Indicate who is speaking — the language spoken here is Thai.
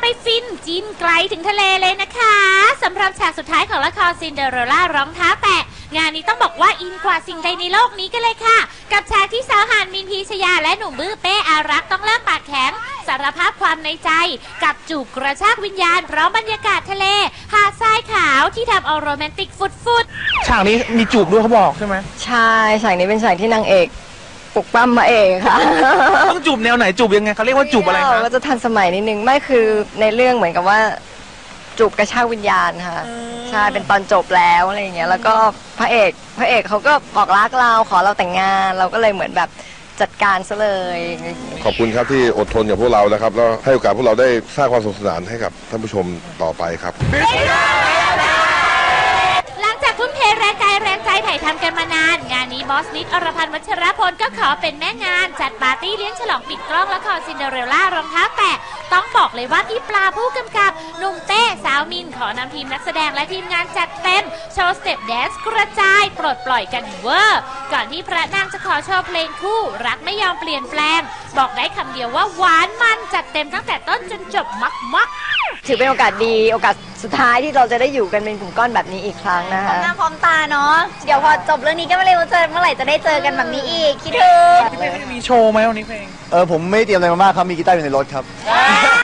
Speaker 1: ฟินจินไกลถึงทะเลเลยนะคะสำหรับฉากสุดท้ายของละครซินเดอเรลล่ารองเท้าแตะงานนี้ต้องบอกว่าอินกว่าสิ่งใดในโลกนี้กันเลยค่ะกับฉากที่สาวหานมินพีชยาและหนุ่มบื้อเป้อารักษ์ต้องเลิกปากแข็งสารภาพความในใจกับจูบกระชากวิญญาณพร้อมบรรยากาศทะเลหาดทรายขาวที่ทำเอาโรแมนติกฟุด
Speaker 2: ฉากนี้มีจูบด้วยเขาบอกใช่ไหม
Speaker 3: ใช่ฉากนี้เป็นฉากที่นางเอกปลุกปั้มมาเองค่ะ
Speaker 2: ต้องจูบแนวไหนจูบยังไงเขาเรียกว่าจูบอะไรคะ
Speaker 3: ก็จะทันสมัยนิดนึงไม่คือในเรื่องเหมือนกับว่าจูบกระชากวิญญาณค่ะใช่เป็นตอนจบแล้วอะไรอย่างเงี้ยแล้วก็พระเอกเขาก็บอกรักเราขอเราแต่งงานเราก็เลยเหมือนแบบจัดการซะเลย
Speaker 4: ขอบคุณครับที่อดทนกับพวกเรานะครับแล้วให้โอกาสพวกเราได้สร้างความสนุกสนานให้กับท่านผู้ชมต่อไปครับ
Speaker 1: หลังจากทุ่มเทแรงกายแรงใจถ่ายทำกันมานานงานนี้บอสนิดอรพันธ์วัชรพลก็ขอเป็นแม่งานจัดปาร์ตี้เลี้ยงฉลองปิดกล้องละครซินเดอเรลล่ารองเท้าแตะต้องบอกเลยว่าพี่ปลาผู้กำกับหนุ่มเต้สาวมินขอนำทีมนักแสดงและทีมงานจัดเต็มโชว์สเต็ปแดนซ์กระจายปลดปล่อยกันเวอร์ก่อนที่พระนางจะขอโชว์เพลงคู่รักไม่ยอมเปลี่ยนแปลงบอกได้คำเดียวว่าหวานมันจัดเต็มตั้งแต่ต้นจนจบมัก
Speaker 3: ถือเป็นโอกาสดีโอกาสสุดท้ายที่เราจะได้อยู่กันเป็นกลุ่มก้อนแบบนี้อีกครั้งนะคะ
Speaker 5: พร้อมหน้าพร้อมตาเนาะเดี๋ยวพอจบเรื่องนี้ก็ไม่รู้เมื่อไหร่จะได้เจอกันแบบนี้อีกคิดถึง
Speaker 2: พี่เพลงมีโชว์ไหมวันนี้เพลง
Speaker 6: ผมไม่เตรียมอะไรมามากครับมีกีตาร์อยู่ในรถครับ